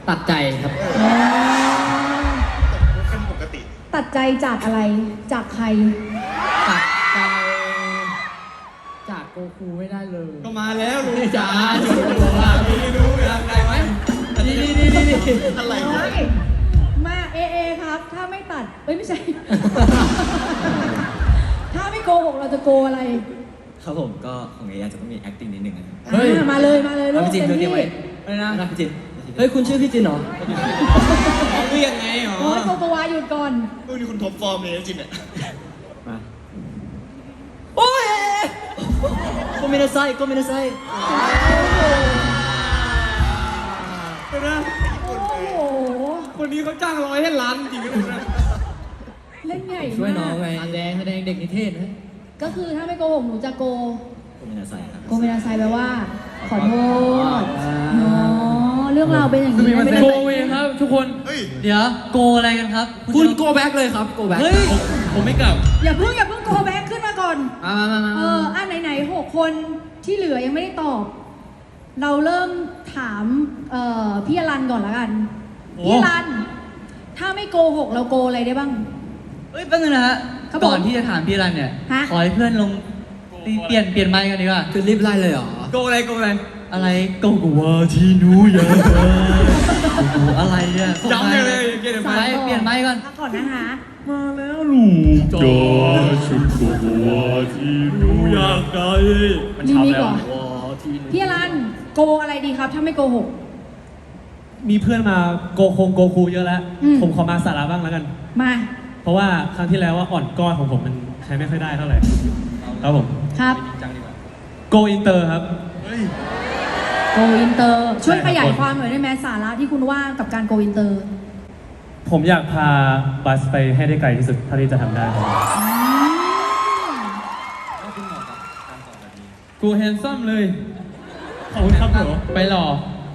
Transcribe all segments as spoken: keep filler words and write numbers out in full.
ตัดใจครับเป็นปกติตัดใจจากอะไรจากใครตัดใจจากโกคูไม่ได้เลยก็มาแล้วลุงจ๋าจุดโกว่าพี่รู้อยากได้ไหมนี่นี่นี่นี่อะไรมาเอเอครับถ้าไม่ตัดเอ้ยไม่ใช่ ถ้าไม่โกหกเราจะโกอะไรครับผมก็ของเออาจจะต้องมี acting นิดนึงนะครับเฮ้ยมาเลยมาเลยพี่จินเตรียมไว้อะไรนะพี่จินเฮ้ยคุณชื่อพี่จินเหรอเขาเรียกไงหรอโอ้ยโกโกวาหยุดก่อนดูนี่คุณท็อปฟอร์มเลยจินอ่ะมาโอ้ยก็ไม่ได้ใส่ก็ไม่ได้ใส่เป็นไงโอ้โหคนนี้เขาจ้างร้อยให้ล้านจริงเลยนะเล่นใหญ่มากช่วยน้องไงแสดงแสดงเด็กนิเทศนะก็คือถ้าไม่โกหกหนูจะโกก็ไม่ได้ใส่ครับโกไม่ได้ใส่แปลว่าขอโทษเนาะเรื่องราวเป็นอย่างนี้ไม่ได้โกเวครับทุกคนเดี๋ยวโกอะไรกันครับคุณโกแบ็กเลยครับโกแบ็กเฮ้ยผมไม่กลับอย่าเพิ่งอย่าเพิ่งโกแบ็กขึ้นมาก่อนมามามาเอออ่ะไหนๆหกคนที่เหลือยังไม่ได้ตอบ เราเริ่มถามเอ่อพี่อรันก่อนละกันพี่อรันถ้าไม่โกหกเราโกอะไรได้บ้างเฮ้ยแป๊บนึงนะฮะก่อนที่จะถามพี่รันเนี่ยขอให้เพื่อนลงเปลี่ยนเปลี่ยนไมค์กันดีกว่าคือรีบไล่เลยเหรอโกอะไรโกอะไรอะไรโกกว่าที่นูอยากโอ้อะไรเนี่ยจำเลยเลยเปลี่ยนไมค์เปลี่ยนไมค์ก่อนก่อนนะคะมาแล้วลูกจอชุดโกว่าที่นูอยากได้มีมีก่อนพี่อรันโกอะไรดีครับถ้าไม่โกหกมีเพื่อนมาโกคงโกคูเยอะแล้ว ผมขอมาสาระบ้างแล้วกันมาเพราะว่าครั้งที่แล้วว่าอ่อนก้อนของผมมันใช้ไม่ค่อยได้เท่าไหร่ครับผมครับโกอินเตอร์ครับโกอินเตอร์ช่วยขยายความหน่อยได้ไหมสาระที่คุณว่ากับการโกอินเตอร์ผมอยากพาบัสไปให้ได้ไกลที่สุดเท่าที่จะทำได้กูแฮนซัมเลยขอบคุณครับผมไปหล่อ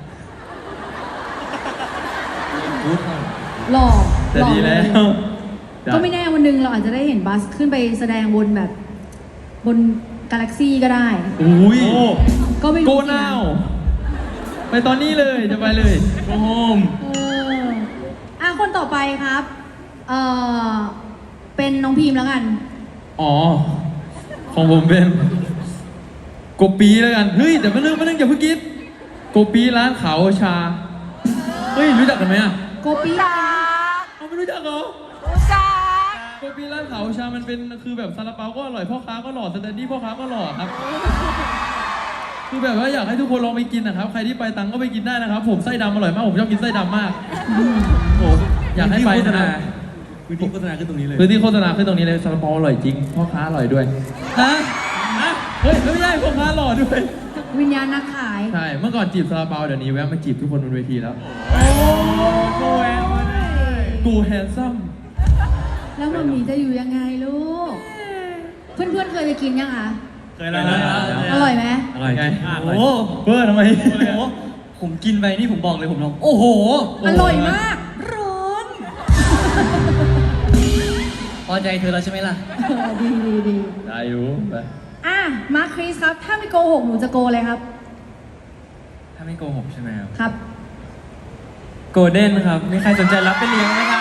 หล่อแต่ดีแล้วก็ไม่แน่วันหนึ่งเราอาจจะได้เห็นบัสขึ้นไปแสดงบนแบบบนกาแล็กซี่ก็ได้อุ้ยก็ไม่รู้โกนาวไปตอนนี้เลยจะไปเลยโกโฮมเอออ่ะคนต่อไปครับเออเป็นน้องพีมแล้วกันอ๋อของผมเป็นโกปีแล้วกันเฮ้ยแต่ไม่เรื่องไม่เรื่องอย่าเพิ่งคิดโกปีร้านขาวชาเฮ้ยรู้จักกันไหมอ่ะโกปีเอาไม่รู้จักเหรอรู้จักโกปีร้านขาวชามันเป็นคือแบบซาลาเปาก็อร่อยพ่อค้าก็หล่อสแตนดี้พ่อค้าก็หล่อครับคือแบบว่าอยากให้ทุกคนลองไปกินนะครับใครที่ไปตังก็ไปกินได้นะครับผมไส้ดำอร่อยมากผมชอบกินไส้ดำมากโอ้อยากให้ไปนะพื้นที่โฆษณาขึ้นตรงนี้เลยพื้นที่โฆษณาขึ้นตรงนี้เลยซาลาเปาอร่อยจริงพ่อค้าอร่อยด้วยฮะเฮ้ยไม่ใช่พ่อค้าหล่อด้วยวิญญาณนักขายใช่เมื่อก่อนจีบซาลาเปาเดี๋ยวนี้แวะมาจีบทุกคนบนเวทีแล้วโอ้โหกูแฮนซัมแล้วมันมีจะอยู่ยังไงลูกเพื่อนๆเคยไปกินยังคะเคยแล้วอร่อยไหมอร่อยไงโอ้เพื่อนทำไมผมกินไปนี่ผมบอกเลยผมลองโอ้โหอร่อยมากร้อนพอใจเธอแล้วใช่ไหมล่ะดีดีดีได้อยู่ไปอ่ะมาร์คคริสครับถ้าไม่โกหกหนูจะโกอะไรครับถ้าไม่โกหกใช่ไหมครับครับโกลเด้นครับมีใครสนใจรับไปเลี้ยงไหมครับ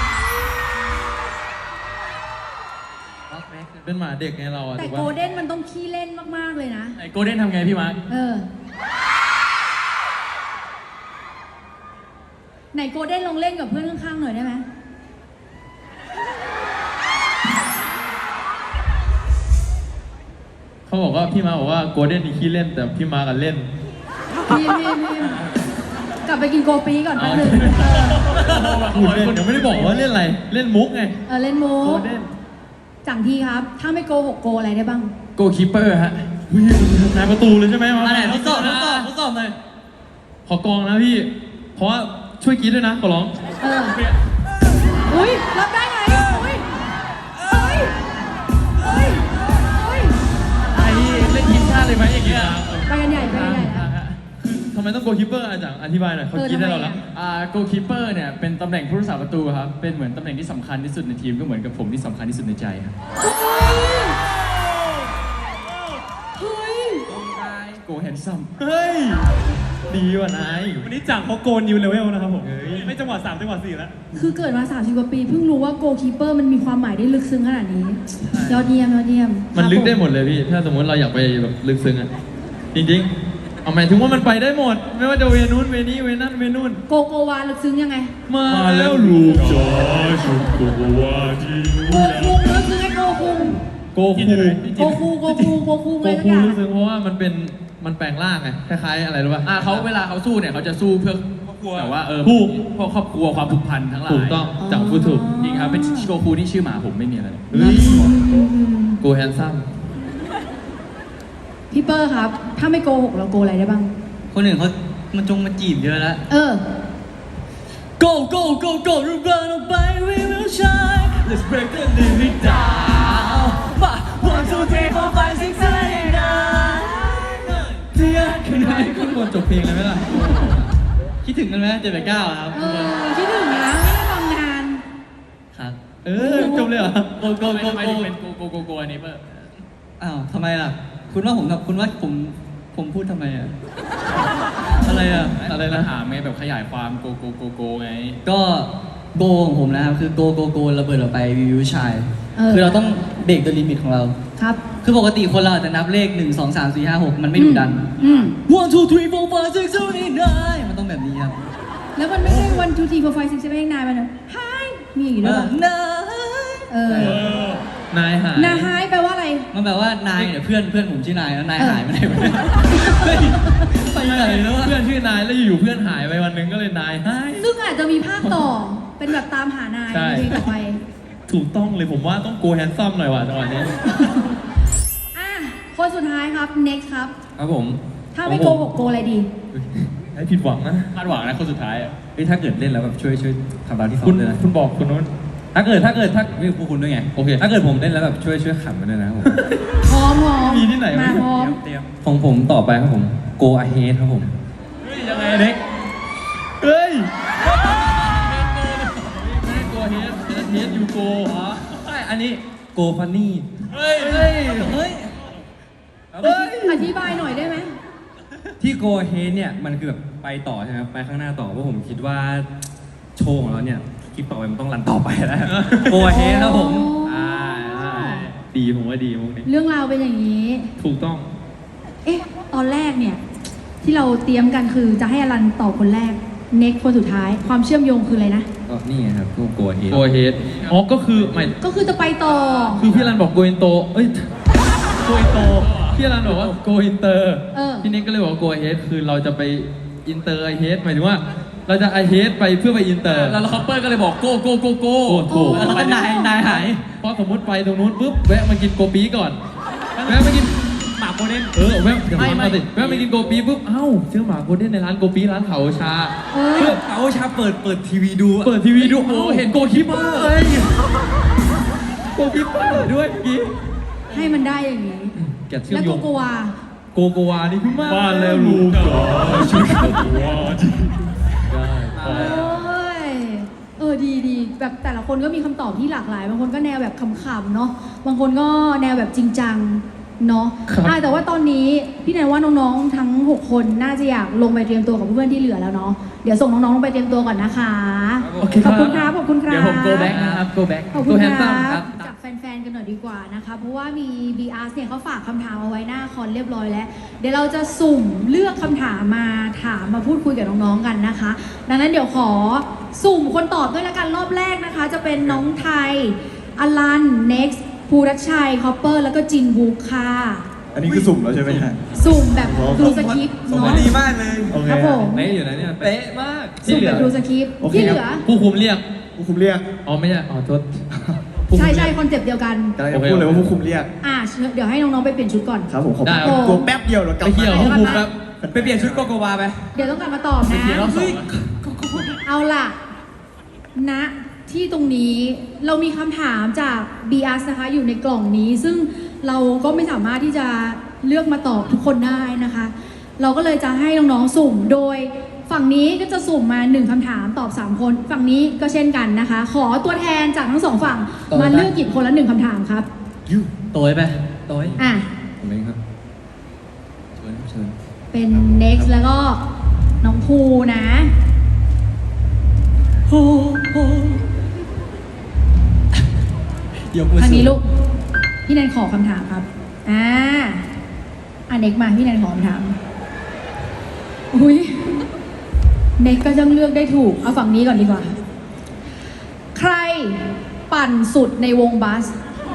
เป็นหมาเด็กไงเราอะแต่โกลเด้นมันต้องขี้เล่นมากๆเลยนะไอ้โกลเด้นทำไงพี่มาร์คเออไหนโกลเด้นลองเล่นกับเพื่อนข้างๆหน่อยได้ไหมเขาบอกว่าพี่มาบอกว่าโกลเด้นนี่ขี้เล่นแต่พี่มากันเล่นพี่พี่พี่กลับไปกินโกปีก่อนแป๊บนึงคุณเล่นยังไม่ได้บอกว่าเล่นอะไรเล่นมุกไงเออเล่นมุกจังทีครับถ้าไม่โกหกโกอะไรได้บ้างโกคีเปอร์ฮะนายประตูเลยใช่ไหมมาอะไรทดสอบทดสอบทดสอบเลยขอกองนะพี่เพราะว่าช่วยกินด้วยนะขอร้องเอออุ้ยรับได้ไงอุ้ยเฮ้ยเฮ้ยเฮ้ยไอ้เล่นทีมชาติเลยไหมอย่างเงี้ยไปกันใหญ่ไปกันใหญ่ทำไมต้องโกคีเปอร์อาจารย์อธิบายหน่อยเขาคิดได้เราแล้วอ่าโกคีเปอร์เนี่ยเป็นตำแหน่งผู้รักษาประตูครับเป็นเหมือนตำแหน่งที่สำคัญที่สุดในทีมก็เหมือนกับผมที่สำคัญที่สุดในใจครับเฮ้ยโกแฮนซัมเฮ้ยดีว่ะนายวันนี้จากเขาโกนนิวเลเวลนะครับผมไม่จังหวะสามจังหวะสี่แล้วคือเกิดมาสามสิบกว่าปีเพิ่งรู้ว่าโกคีเปอร์มันมีความหมายได้ลึกซึ้งขนาดนี้ยอดเยี่ยมยอดเยี่ยมมันลึกได้ครับหมดเลยพี่ ถ้าสมมติเราอยากไปแบบลึกซึ้งอ่ะ จริงๆ เอาหมายถึงว่ามันไปได้หมด ไม่ว่าจะเวนู้นเวนี้เวนั่นเวนู่นโกโกวาลึกซึ้งยังไงมาแล้วลูกจ๋าชุดโกวาจีโกคุงลึกซึ้งไงโกคุงโกคูโกคูโกคูโกคูโกอะไรสักคูอย่างรู้สึกเพราะว่ามันเป็นมันแปลงร่างไงคล้ายๆอะไรรู้ป่ะอ่าเขาเวลาเขาสู้เนี่ยเขาจะสู้เพื่อแต่ว่าเออถูกเพราะครอบครัวความผูกพันทั้งหลายถูกต้องจังพูดถูกจริงครับเป็นโกคูที่ชื่อหมาผมไม่มีอะไรเลยเฮ้ยอืมโกแฮนซัมพี่เปอร์ครับ ถ้าไม่โกหกเราโกอะไรได้บ้างคนอื่นเขามันจงมาจีบเยอะแล้วเออ Go go go go run away we will shine let's break the limit down ma one two three four five six seven eight nine เทียนขึ้นไปขึ้นบนจบเพลงเลยไหมล่ะคิดถึงกันไหมเจ็ดแปดเก้าครับเออคิดถึงนะไม่ได้ฟังนานครับเออจบเลยเหรอโกโกทำไมโกทำไมโกถึงเป็นโกโกโกโกอันนี้เปอร์อ้าวทำไมล่ะ คุณว่าผมกับคุณว่าผมผมพูดทำไมอ่ะ อะไรอ่ะอะไรแล้นะวถามไงแบบขยายความโกโกโกโกไงก็โกของผมนะครับ คือโกโกโกระเบิดออกไปวิวชายเออคือเราต้องเบรกตัวลิมิตของเราครับคือปกติคนเราอาจจะนับเลขหนึ่งสองสามสี่ห้าหกมันไม่ดุดันอืม one two three four five six seven eight nine มันต้องแบบนี้ครับแล้วมันไม่ใช่ one two three four five six seven eight nine มันนะ hi มีอย่างนี้ด้วยเหรอนายเออนายหายนา hi แปลว่าอะไรมันแบบว่านายเนี่ยเพื่อนเพื่อนผมชื่อนายแล้วนายเออหายไปไหนวะเนี่ยเฮ้ยไปไหนแล้ววะเพื่อนชื่อนายแล้วอยู่ๆเพื่อนหายไปวันหนึงก็เลยนายหายซึ่งอาจจะมีภาคต่อ เป็นแบบตามหานายใช่ในเพลงต่อไปถูกต้องเลยผมว่าต้องโกแฮนซัมหน่อยว่ะจังหวะนี้อ่ะ คนสุดท้ายครับ next ครับครับผมถ้าไม่โกหกโกอะไรดีให้ผิดหวังนะคาดหวังนะคนสุดท้ายอะเฮ้ยถ้าเกิดเล่นแล้วแบบช่วยช่วยทำตามที่ซ้อคุมณด้วยนะคุณบอกคุณนู้นถ้าเกิดถ้าเกิดถ้าไม่พวกคุณด้วยไงโอเคถ้าเกิดผมเล่นแล้วแบบช่วยช่วยขำกันด้วยนะครับผมพร้อมพร้อมมีที่ไหนวะมาพร้อมของผมต่อไปครับผม go ahead ครับผมเฮ้ยยังไงเด็กเฮ้ยไม่ได้โกเฮดเฮดยูโกเหรอใช่อันนี้ go funny เฮ้ยเฮ้ยเฮ้ยเฮ้ยอธิบายหน่อยได้ไหมที่ go ahead เนี่ยมันคือแบบไปต่อใช่ไหมครับไปข้างหน้าต่อเพราะผมคิดว่าโชว์ของเราเนี่ยคลิปต่อไปมันต้องรันต่อไปแล้ว go ahead ครับผมอ่าใช่ดีผมว่าดีมุกนี้เรื่องราวเป็นอย่างนี้ถูกต้องเอ๊ะ ตอนแรกเนี่ย ที่เราเตรียมกันคือจะให้อลันตอบคนแรก next คนสุดท้าย ความเชื่อมโยงคืออะไรนะก็นี่ไงครับ go go ahead โกเฮดอ๋อก็คือหมายก็คือจะไปต่อคือพี่รันบอกโกอินโตเอ้ยโกอินโตพี่รันบอกว่าโกอินเตอร์เออพี่นิกก็เลยบอกว่าโกเฮดคือเราจะไปอินเตอร์ไอเฮดหมายถึงว่า เราจะไอเฮดไปเพื่อไปอินเตอร์แล้วคอปเปอร์ก็เลยบอกโกโกโกโกโอ้ถูกโอ้แล้วก็นายนายหายพอสมมติไปตรงนู้นปุ๊บแวะมากินโกปีก่อนแวะมากินหมาโกลเด้นเออแวะเดี๋ยวมาสิแวะมากินโกปีปุ๊บเอ้าซื้อหมาโกลเด้นในร้านโกปีร้านเขาชาเออเพื่อเอาชาเปิดเปิดทีวีดูอะเปิดทีวีดูโอ้เห็นโกคิปเปอร์เลยโกคิปเปอร์ด้วยเมื่อกี้ให้มันได้อย่างนี้แกะเชื่อแล้มวโยโกงโกวาโกโกวานี่พี่มากบ้านแล้วลูกจ๋าช่วยโกโกวาได้โอ้ย เออดีดีแบบแต่ละคนก็มีคำตอบที่หลากหลาย บางคนก็แนวแบบขำๆเนาะ บางคนก็แนวแบบจริงจังเนาะอ่ะแต่ว่าตอนนี้พี่แนนว่าน้องๆทั้งหกคนน่าจะอยากลงไปเตรียมตัวกับเพื่อนๆที่เหลือแล้วเนาะ เดี๋ยวส่งน้องๆลงไปเตรียมตัวก่อนนะคะโอเคขอบคุณครับ ขอบคุณครับเดี๋ยวผมโกแบ็กนะครับโกแบ็กขอบคุณตัวคแฮนซัมรัครับ บจากแฟนๆ กันหน่อยดีกว่านะคะ เพราะว่ามี บี อาร์ เนี่ยเขาฝากคำถามเอาไว้หน้าคอนเรียบร้อยแล้ว เดี๋ยวเราจะสุ่มเลือกคำถามมาถามมาพูดคุยกับน้องๆ กันนะคะ ดังนั้นเดี๋ยวขอสุ่มคนตอบด้วยละกันรอบแรกนะคะ จะเป็นน้องไทย อลัน next ภูรัชชัย คอปเปอร์ แล้วก็จินบุ๊กค่ะอันนี้คือสุ่มแล้วใช่ไหมฮะสุ่มแบบดูสคริปต์สุ่มเนาะมาดีมากเลย โอเคครับผมเป๊ะอยู่นะเนี่ยเป๊ะมากสุ่มแบบดูสคริปต์โอเคที่เหครับลือผู้คุมเรียกผู้คุมเรียกอ๋อไม่ใช่ อ๋อโทษผู้คุมใช่เรียกใช่คอนเซปต์เดียวกันกำลังจะพูดเลยว่าผู้คุมเรียกอ่าเดี๋ยวให้น้องๆ ไปเปลี่ยนชุดก่อนครับผมขอบได้คุณตัวแป๊บเดียวเดี๋ยวกลับไปเกี่ยวมาผู้คุมครับไปเปลี่ยนชุดโกโกวาไปเดี๋ยวต้องกลับมาตอบนะเดี๋ยวรอบสองเอาล่ะ ณ ที่ตรงนี้เรามีคำถามจาก บี อาร์ นะคะ อยู่ในกล่องนี้ ซึ่งเราก็ไม่สามารถที่จะเลือกมาตอบทุกคนได้นะคะ เราก็เลยจะให้น้องๆ สุ่ม โดยฝั่งนี้ก็จะสุ่มมาหนึ่งคำถามตอบสามคน ฝั่งนี้ก็เช่นกันนะคะ ขอตัวแทนจากทั้งสองฝั่งต่อไปมาเลือกหยิบคนละหนึ่งคำถามครับโตยไปโตยอ่ะผมเองครับเชิญครับเชิญเป็น next แล้วก็น้องภูนะโอ้โหยกมือทางสูนี้งลูก พี่แนนขอคำถามครับ อ่าอันเน็กมาพี่แนนขอคำถาม อุ้ยเน็กก็ต้องเลือกได้ถูก เอาฝั่งนี้ก่อนดีกว่า ใครปั่นสุดในวงบัส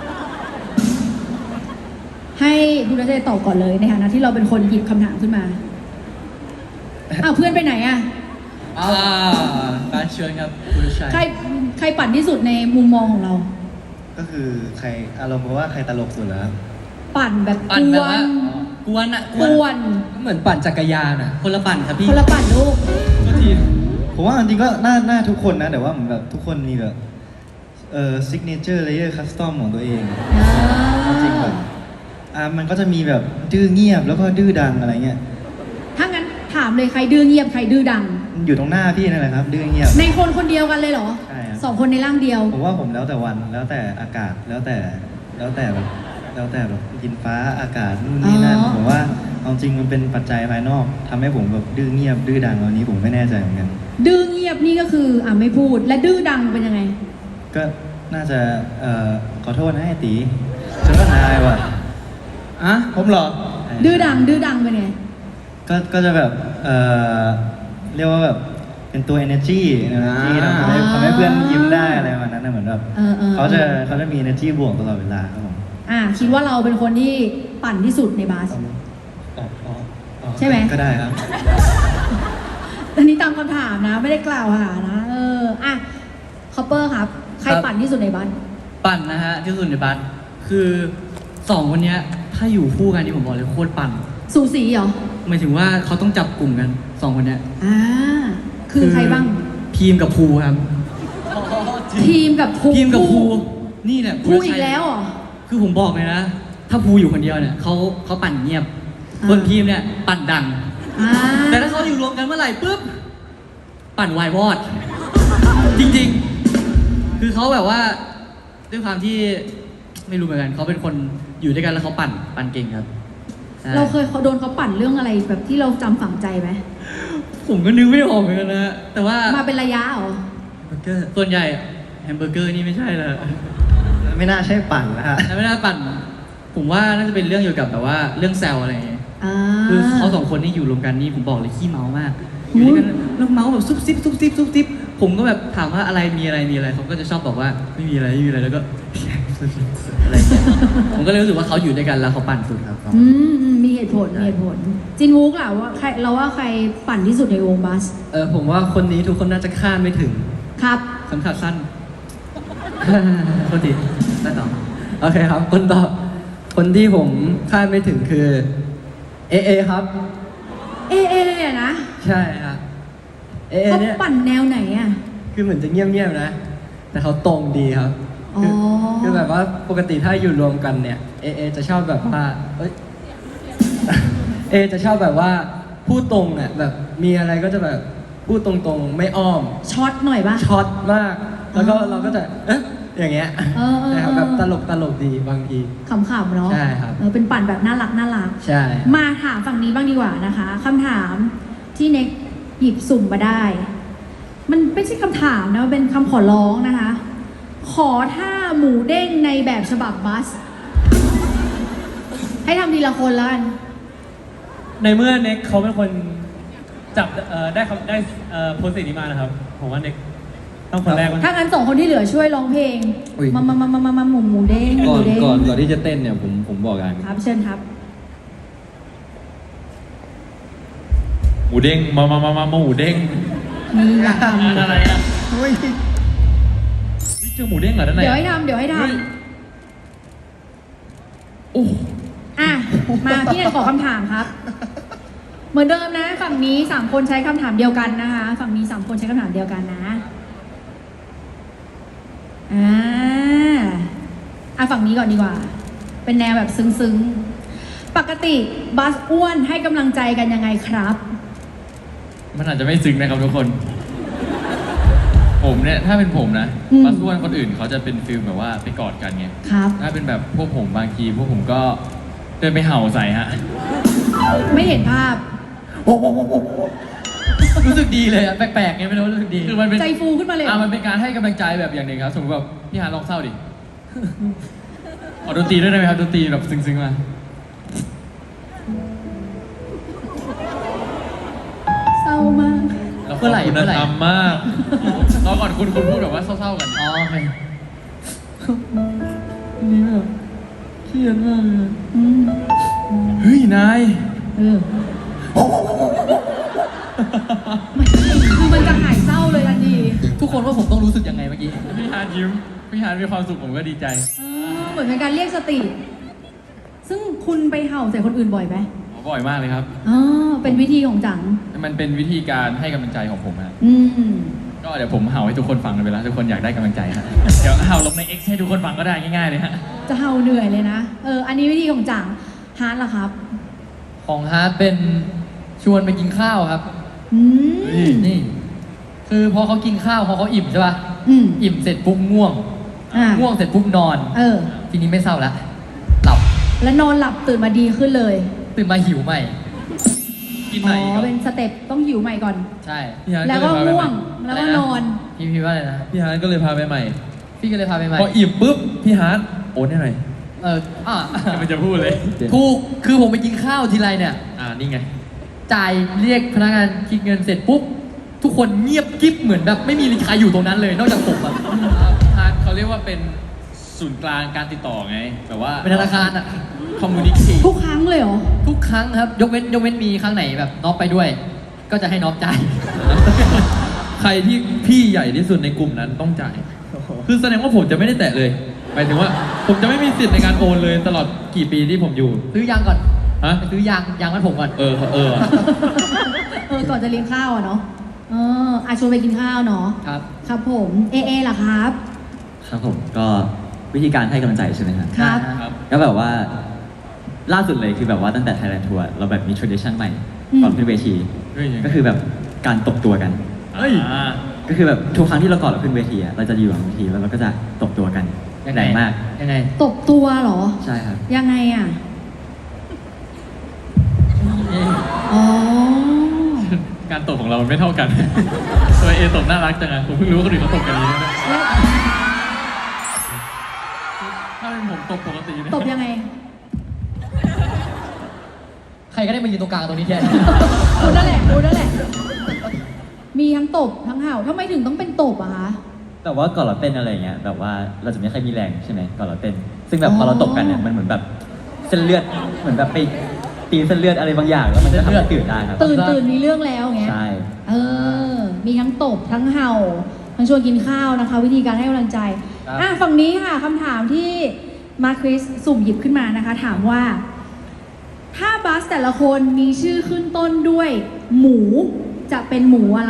ให้คุณนัทเดชตอบก่อนเลยในฐานะที่เราเป็นคนหยิบคำถามขึ้นมา อ้าวเพื่อนไปไหนอะอ่าการเชิญครับคุณชัยใครใครปั่นที่สุดในมุมมองของเราก็คือใครอารมณ์ว่าใครตลกสุดแล้วปั่นแบบปั่นกแบบวว่าน กวนอะกวนเหมือนปั่นจักรยานอ่ะคนละปั่นครับพี่คนละปั่นลูกก็ทีผมว่าจริงๆก็น่าน่าทุกคนนะ แต่ว่าเหมือนแบบทุกคนมีแบบเอ่อซิกเนเจอร์เลเยอร์คัสตอมของตัวเองจริงๆแบบอ่ามันก็จะมีแบบดื้อเงียบแล้วก็ดื้อดังอะไรเงี้ยถ้างั้นถามเลยใครดื้อเงียบใครดื้อดังมันอยู่ตรงหน้าพี่นั่นแหละครับ ดื้อเงียบในคนคนเดียวกันเลยเหรอใช่ครับสองคนในร่างเดียวผมว่าผมแล้วแต่วันแล้วแต่อากาศแล้วแต่แล้วแต่แบบแล้วแต่แบบดินฟ้าอากาศนู่นนี่นั่นอ๋อผมว่าเอาจริงมันเป็นปัจจัยภายนอกทำให้ผมแบบดื้อเงียบดื้อดังตอนนี้ผมไม่แน่ใจเหมือนกันดื้อเงียบนี่ก็คืออ่ะไม่พูด และดื้อดังเป็นยังไงก็น่าจะเอ่อขอโทษนะไอ้ตีฉันก็นายว่ะอ่ะผมเหรอดื้อดัง ดื้อดังเป็นไงก็ก็จะแบบเอ่อเรียกว่าแบบเป็นตัว energy energy ทำให้ทำให้เพื่อนยิ้มได้อะไรประมาณนั้นนะเหมือนแบบเออเออเขาจะเขาจะมี energy บวกตลอดเวลาครับผมอ่ะคิดว่าเราเป็นคนที่ปั่นที่สุดในบาสอ๋ออ๋ออ๋อใช่ไหมก็ได้ครับอันนี้ตามคำถามนะ ไม่ได้กล่าวหานะ เออ อ่ะคอปเปอร์ครับ ใครปั่นที่สุดในบาสปั่นนะฮะที่สุดในบัสคือสองคนเนี้ยถ้าอยู่คู่กันนี่ผมบอกเลยโคตรปั่นสูสีเหรอหมายถึงว่าเขาต้องจับกลุ่มกันสองคนเนี้ยอ่า คือใครบ้างพีมกับภูครับทีมกับภูพีมกับภูนี่แหละภูอีกแล้วเหรอคือผมบอกเลยนะ ถ้าภูอยู่คนเดียวเนี่ยเขาเขาปั่นเงียบอ่าส่วนพีมเนี่ยปั่นดังอ่าแต่ถ้าเขาอยู่รวมกันเมื่อไหร่ปุ๊บปั่นวายวอด จริงๆ คือเขาแบบว่าด้วยความที่ไม่รู้เหมือนกันเขาเป็นคนอยู่ด้วยกันแล้วเขาปั่นปั่นเก่งครับใช่เราเคยเขาโดนเขาปั่นเรื่องอะไรแบบที่เราจำฝังใจไหมผมก็นึกไม่ออกเหมือนกันนะแต่ว่ามาเป็นระยะเหรอแฮมเบอร์เกอร์ส่วนใหญ่แฮมเบอร์เกอร์นี่ไม่ใช่เลยไม่น่าใช่ปั่นนะฮะแต่ไม่น่าปั่น ผมว่าน่าจะเป็นเรื่องเกี่ยวกับแบบว่าเรื่องแซวอะไรอย่างเงี้ยอ่าคือเขาสองคนนี่อยู่รวมกันนี่ผมบอกเลยขี้เมามากอยู่ด้วยกันแล้วเมาแบบซุบซิบซุบซิบซุบซิบผมก็แบบถามว่าอะไรมีอะไรมีอะไรเขาก็จะชอบบอกว่าไม่มีอะไรไม่มีอะไรแล้วก็ อะไรอย่างเงี้ยผมก็เลยรู้สึกว่าเขาอยู่ด้วยกันแล้วเขาปั่นสุดครับอืมอืมมีเหตุผลมีเหตุผล จินวูกล่ะว่าใครเราว่าใครปั่นที่สุดในวงบัสเออผมว่าคนนี้ทุกคนน่าจะคาดไม่ถึงครับสำคัญสั้น โทษทีได้ต่อโอเคครับ คนต่อคนที่ผมคาดไม่ถึงคือเอเอครับเอเออะนะใช่ครับเอเอเขาเนี่ยปั่นแนวไหนอ่ะคือเหมือนจะเงียบๆนะ แต่เขาตรงดีครับอ๋อคือคือแบบว่าปกติถ้าอยู่รวมกันเนี่ยเอเอจะชอบแบบว่าเอ้ย เอจะชอบแบบว่าพูดตรงอ่ะแบบมีอะไรก็จะแบบพูดตรงๆ ไม่อ้อมช็อตหน่อยปะช็อตมาก แล้วก็อ๋อเราก็จะเอ๊ะอย่างเงี้ยเออเออนะครับแบบตลกตลกดีบางทีขำๆเนาะใช่ครับเออเป็นปั่นแบบน่ารักน่ารักใช่มาถามฝั่งนี้บ้างดีกว่านะคะคำถามที่เน็กหยิบสุ่มมาได้ มันไม่ใช่คำถามนะมันเป็นคำขอร้องนะคะ ขอท่าหมูเด้งในแบบฉบับบัส ให้ทำทีละคนแล้วกันในเมื่อเน็กเขาเป็นคนจับเอ่อได้คำได้เอ่อโพสต์นี้มานะครับ ผมว่าเน็กต้องคนแรกก่อนถ้างั้นสองคนที่เหลือช่วยร้องเพลงอุ๊ยมามามามามามาหมูหมูเด้งหก่อมูนเด้งก่อนก่อนที่จะเต้นเนี่ยผมผมบอกอย่างครับเชิญครับหมูเด้งมามามามาหมูเด้งนี่อยากทงานอะไรอ่ะเฮ้ยนี่เจอหมูเด้งเหรอด้านำในเดี๋ยวให้ทำเดี๋ยวให้ทเฮ้ยโอ้ำอ่ะมาพี่เนยขอคำถามครับ เหมือนเดิมนะ ฝั่งนี้สามคนใช้คำถามเดียวกันนะคะ ฝั่งนี้สามคนใช้คำถามเดียวกันนะอ่าอ่ะฝั่งนี้ก่อนดีกว่า เป็นแนวแบบซึ้งๆ ปกติบัสอ้วนให้กำลังใจกันยังไงครับมันอาจจะไม่ซึ้งนะครับทุกคน ผมเนี่ยถ้าเป็นผมนะอืมบัสอ้วนคนอื่นเขาจะเป็นฟิลแบบว่าไปกอดกันไงครับถ้าเป็นแบบพวกผมบางทีพวกผมก็เดินไปเห่าใส่ฮะไม่เห็นภาพรู้สึกดีเลยอะแปลกๆไงไม่รู้รู้สึกดีคือมันเป็นใจฟูขึ้นมาเลยอ่ะมันเป็นการให้กำลังใจแบบอย่างหนึ่งครับ สมมติแบบพี่ฮาร์ลองเศร้าดิ ขอดนตรีด้วยได้ไหมครับดนตรีแบบซึ้งๆมาเศร้ามากแล้วเมื่อไหร่คุณเมื่อไหร่ธรรมมากรอก่อนคุณคุณพูดแบบว่าเศร้าๆกันอ๋อโอเคนี่แบบเครียดมากเลยอืมเฮ้ยนายเออคือมันจะหายเศร้าเลยทันทีทุกคนว่าผมต้องรู้สึกยังไงเมื่อกี้พี่ฮาร์ยิ้ม พี่ฮาร์มีความสุขผมก็ดีใจเออเหมือนเป็นการเรียกสติ ซึ่งคุณไปเห่าใส่คนอื่นบ่อยไหมบ่อยมากเลยครับอ๋อเป็นวิธีของจังมันเป็นวิธีการให้กำลังใจของผมฮะอืมก็เดี๋ยวผมเห่าให้ทุกคนฟังกันไปแล้วทุกคนอยากได้กำลังใจฮะ เดี๋ยวเห่าลงใน X ให้ทุกคนฟังก็ได้ง่ายๆเลยฮะจะเห่าเหนื่อยเลยนะ เออ อันนี้วิธีของจังฮาร์ดล่ะครับของฮาร์ดเป็นชวนไปกินข้าวครับอืมนี่ คือพอเขากินข้าวพอเขาอิ่มใช่ป่ะอืมอิ่มเสร็จปุ๊บง่วงอ่าง่วงเสร็จปุ๊บนอนเออทีนี้ไม่เศร้าแล้วหลับแล้วนอนหลับตื่นมาดีขึ้นเลยตื่นมาหิวใหม่กินอ๋ไหนอีกอเหรอเป็นสเต็ปต้องหิวใหม่ก่อนใช่พี่ฮาร์ดแล้วก็ก็เลยพาไปง่ใหวม่ง แล้วก็อะไรนะนอนพี่พี่ว่าอะไรนะพี่ฮาร์ดก็เลยพาไปใหม่พี่ก็เลยพาไปใหม่พออิ่มปุ๊บพี่ฮาร์ดโอนให้หน่อยเอออ่ะมันจะพูดเลยถูกคือผมไปกินข้าวทีไรเนี่ยอ่า นี่ไงจ่ายเรียกพนักงานคิดเงินเสร็จปุ๊บ ทุกคนเงียบกิ๊บเหมือนแบบไม่มีใครอยู่ตรงนั้นเลย นอกจากผมอะฮาร์ดเขาเรียกว่าเป็นศูนย์กลางการติดต่อไง แบบว่าเป็นธนาคารอะคอมมูนิเคชทุกครั้งเลยเหรอทุกครั้งครับ ยกเว้นยกเว้นมีครั้งไหนแบบน้องไปด้วย ก็จะให้น้องจ่ายใครที่พี่ใหญ่ที่สุดในกลุ่มนั้นต้องจ่าย คือแสดงว่าผมจะไม่ได้แตะเลยหมายถึงว่าผมจะไม่มีสิทธิ์ในการโอนเลยตลอดกี่ปีที่ผมอยู่ซื้อยางก่อนฮะไปซื้อยางยางมัดผมก่อนเออเออเออ ก่อนจะเลี้ยงข้าวอะเนาะ เอออาชวนไปกินข้าวเนาะครับครับผม เอเอล่ะครับครับผมก็วิธีการให้กำลังใจใช่ไหมครับครับครับก็แบบว่าล่าสุดเลยคือแบบว่าตั้งแต่ Thailand Tour เราแบบมี tradition ใหม่อืมก่อนขึ้นเวทีเฮ้ยยังไงก็คือแบบการตบตัวกันเฮ้ยก็คือแบบทุกครั้งที่เราก่อนเราขึ้นเวทีอะเราจะอยู่หลังเวทีแล้วเราก็จะตบตัวกันยังไงแรงมากยังไงตบตัวเหรอใช่ครับยังไงอ่ะ อ๋อการตบของเรามันไม่เท่ากัน ตัวเอตบน่ารักจังอะผมเพิ่งรู้ว่าคนอื่นเขาตบกันอย่างนี้นะแล้วถ้าเป็นผมตบปกตินะตบยังไงใครก็ได้มายืนตรงกลางตรงนี้แทนรู้นั่นแหละรู้นั่นแหละ มีทั้งตบทั้งเห่าทำไมถึงต้องเป็นตบอะคะแต่ว่าก่อนเราเต้นอะไรอย่างเงี้ยแบบว่าเราจะไม่ค่อยมีแรงใช่ไหมก่อนเราเต้น ซึ่งแบบพอเราตบกันเนี่ยมันเหมือนแบบเส้นเลือดเหมือนแบบไปตีเส้นเลือดอะไรบางอย่างแล้วมันจะทำให้ตื่นได้ครับตื่นตื่นมีเรื่องแล้วอย่างเงี้ยใช่เออ มีทั้งตบทั้งเห่า ทั้งชวนกินข้าวนะคะ วิธีการให้กำลังใจครับอ่ะฝั่งนี้ค่ะคำถามที่มาคริสสุ่มหยิบขึ้นมานะคะ ถามว่า ถ้าบัสแต่ละคนมีชื่อขึ้นต้นด้วย หมูจะเป็นหมูอะไร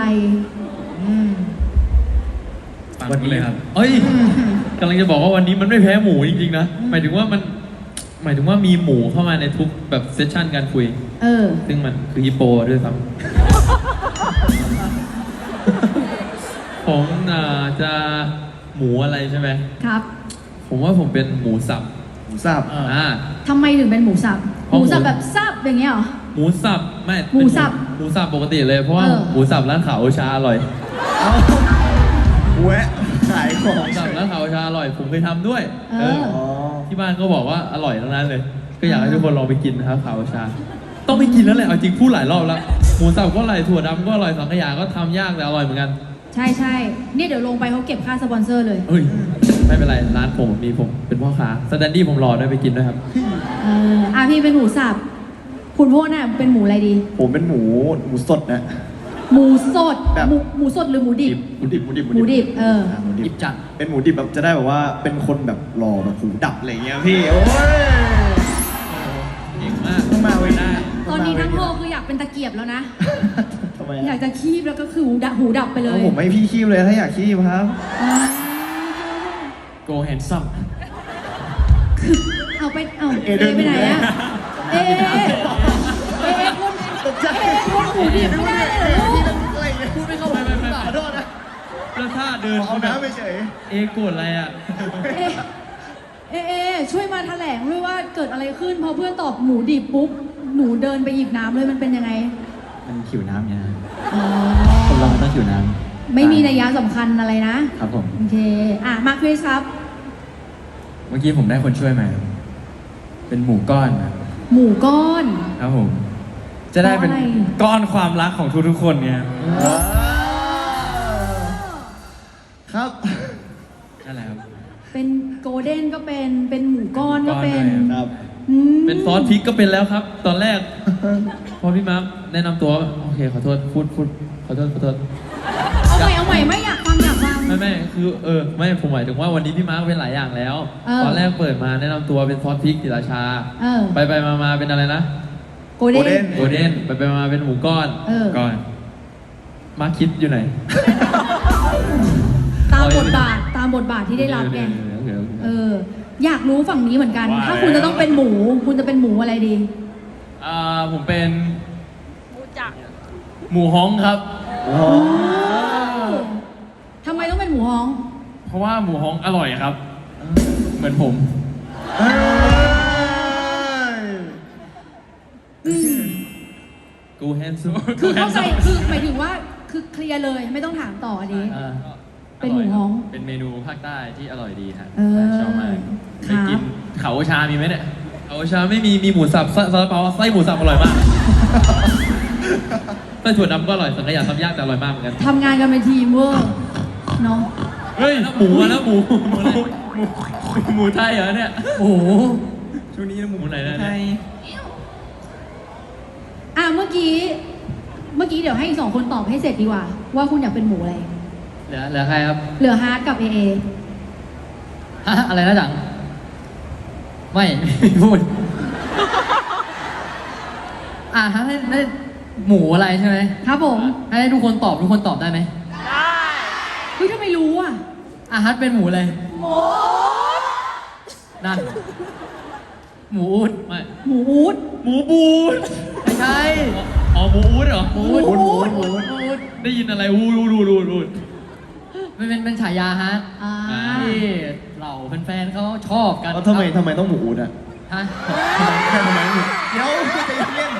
วันนี้เลยครับเอ้ยกำลังจะบอกว่าวันนี้มันไม่แพ้หมูจริงๆนะหมายถึงว่ามันหมายถึงว่ามีหมูเข้ามาในทุกแบบเซสชันการคุยเออซึ่งมันคือฮิปโปด้วยซ้ำ ผมอ่าจะหมูอะไรใช่ไหมครับผมว่าผมเป็นหมูสับหมูสับอ่าทำไมถึงเป็นหมูสับเพหราะมูสับหมูแบบสับอย่างเงี้ยเหรอหมูสับไม่หมูสับเป็นหมูสับปกติเลยเพราะว่าเออหมูสับร้านขาวโอชาอร่อยแวะขายของหมูสับร้านขาวโอชาอร่อย ผมเคยทำด้วยเอออ๋อที่บ้านก็บอกว่าอร่อยทั้งนั้นเลย ก็อยากให้ทุกคนลองไปกินนะครับขาวโอชา ต้องไปกินแล้วแหละเอาจริงพูดหลายรอบแล้วหมูสับก็อร่อยถั่วดำก็อร่อยสังขยาก็ทำยากแต่อร่อยเหมือนกันใช่ใช่เนี่ยเดี๋ยวลงไปเขาเก็บค่าสปอนเซอร์เลยเฮ้ยไม่เป็นไรร้านผมมีผมเป็นพ่อค้าสแตนดี้ผมรอด้วยไปกินด้วยครับเอออ่ะพี่เป็นหมูสับ คุณโพดน่ะเป็นหมูอะไรดีผมเป็นหมูหมูสดนะหมูสดแบบหมูหมูสดหรือหมูดิบหมูดิบหมูดิบหมูดิบ เอออ่าหมูดิหยิบบจัดเป็นหมูดิบแบบจะได้แบบว่าเป็นคนแบบหล่อแบบหูดับอะไรเงี้ยพี่โอ้ยเก่งมากต้องมาเว้ยหน้าตอนนี้ทั้งโลกคืออยากเป็นตะเกียบแล้วนะทำไมอยาอะกจะคีบแล้วก็คือหูดับหูดับไปเลยเอาผมไม่พี่คีบเลยถ้าอยากคีบครับอ่าโกแฮนซัมเอาไปเอาเอเอเดินไปไหนหนีเลยอะเอเอเอเอคนเอคนหมูดิบไม่ได้เลยเหรอลูกอะไรเงี้ยพูดไม่เข้าหูหรือเปล่าขอโทษนะแล้วถ้าเดินเอาน้ำไปเฉยเอโกรธอะไรอ่ะเอเอเอช่วยมาแถลงด้วยว่าเกิดอะไรขึ้นพอเพื่อนตอบหมูดิบปุ๊บหนูเดินไปหยิบน้ำเลยมันเป็นยังไงมันผิวน้ำเนี่ยนะอ๋อคนเรามันต้องผิวน้ำไม่มีนัยยะสำคัญอะไรนะครับผมโอเค อ่ะ มาคริสครับเมื่อกี้ผมได้คนช่วยมาครับเป็นหมูก้อนครับหมูก้อนครับผม จะได้เป็นเพราะอะไรก้อนความรักของทุกๆคนเนี่ยครับนั่นแหละครับเป็นโกลเด้นก็เป็น เป็นหมูก้อนก็เป็นหมูก้อนด้วยครับอืมเป็นซอสพริกก็เป็นแล้วครับ ตอนแรก พอพี่มาร์คแนะนำตัวโอเคขอโทษพูดพูดขอโทษขอโทษเอาใหม่เอาใหม่ไม่อยากฟังอยากฟังไม่ไม่คือเออไม่ผมหมายถึงว่าวันนี้พี่มาร์คเป็นหลายอย่างแล้วเออตอนแรกเปิดมาแนะนำตัวเป็นซอสพริกศิราชาเออไปไปมามาเป็นอะไรนะโกลเด้นโกลเด้นไปไปมาเป็นหมูก้อนเออก้อนมาร์คคิดอยู่ไหนตามบทบาท ตามบทบาทที่ได้รับไงเดี๋ยวๆๆๆเออ อยากรู้ฝั่งนี้เหมือนกันว่าถ้าคุณจะต้องเป็นหมู คุณจะเป็นหมูอะไรดีอ่าผมเป็นหมูฮ้องครับทำไมต้องเป็นหมูฮ้องเพราะว่าหมูฮ้องอร่อยครับ เหมือนผมกูแฮนซ์คือเข้าใจคือหมายถึงว่า คือเคลียร์เลย ไม่ต้องถามต่ออันนี้อ่าเป็นหมูฮ้องเป็นเมนูภาคใต้ที่อร่อยดีครับเออชอบมากคไปรับกินเขาชามีไหมเนี่ยเอาชาไม่มีมีหมูสับซาซาลาเปาไส้หมูสับอร่อยมากไส้ถั่วดำก็อร่อยสังขยาทำยากแต่อร่อยมากเหมือนกันทำงานกันเป็นทีมเวอร์เนาะเฮ้ยหมูมาแล้วหมูหมูหมูหมูหมูไทยเหรอเนี่ยโอ้โหช่วงนี้หมูหมูไหนนะเนี่ยอ่ะเมื่อกี้ เมื่อกี้เดี๋ยวให้อีกสองคนตอบให้เสร็จดีกว่า ว่าคุณอยากเป็นหมูอะไรเหลือเหลือใครครับเหลือฮาร์ดกับเอเอฮะอะไรนะจัง ไม่ ไม่พูด อ่ะฮะให้ให้หมูอะไรใช่ไหมครับผมให้ทุกคนตอบทุกคนตอบได้ไหมเฮ้ยทำไมรู้อ่ะอ่ะฮัทเป็นหมูเลยหมูนั่น หมูอูดไม่หมูอูดหมูบูดไม่ใช่อ๋อหมูอูดเหรอหมูอูดหมูอูดหมูอูดหมูอูดได้ยินอะไรอูดูดูดูดูมันเป็นเป็นฉายาฮะอ่าที่เหล่าแฟนๆเขาชอบกันแล้วทำไมทำไมต้องหมูอูดอ่ะฮะทำไมทำไมหมูเดี๋ยวใจเย็น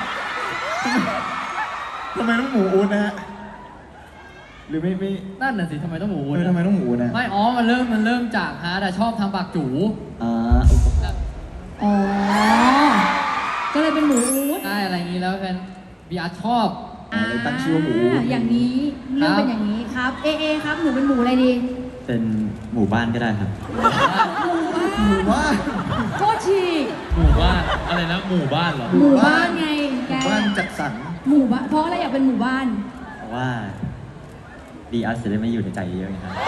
ทำไมต้องหมูอูดนะฮะหรือไม่ไม่นั่นน่ะสิทำไมต้องหมูอูเอดอทำไมต้องหมูอูดนะไม่อ๋อมันเริ่มมันเริ่มจากฮาร์ดอะชอบทำปากจูอ่าอ๋อ ก็เลยเป็นหมูอูดได้อะไรอย่างนี้แล้วแฟนบีอาร์ชอบอ่าเลยตั้งชื่อว่าหมูอูดอ่าอย่างนี้เรื่องครับเป็นอย่างนี้ครับ เอเอครับ หนูเป็นหมูอะไรดีเป็นหมู่บ้านก็ได้ครับหมูบ้านว่าโคตรฉีกหมู่บ้านอะไรนะหมู่บ้านเหรอหมู่บ้านไงหแกมู่บ้านจัดสรรหมู่บ้าน เพราะอะไรอยากเป็นหมู่บ้านเพราะว่าดีอาร์จะได้ไม่อยู่ในใจเยอะๆไงครับ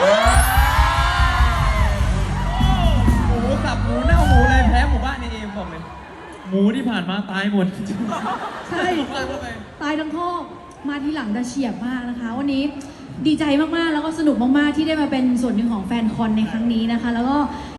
หมูสับหมูเน่าหมูอะไรแพ้หมู่บ้านในเองบอกเลยหมูที่ผ่านมาตายหมดใช่ ตายทั้งคอกมาทีหลังแต่เฉียบมากนะคะ วันนี้ดีใจมากๆ แล้วก็สนุกมากๆ ที่ได้มาเป็นส่วนหนึ่งของแฟนคอนในครั้งนี้นะคะ แล้วก็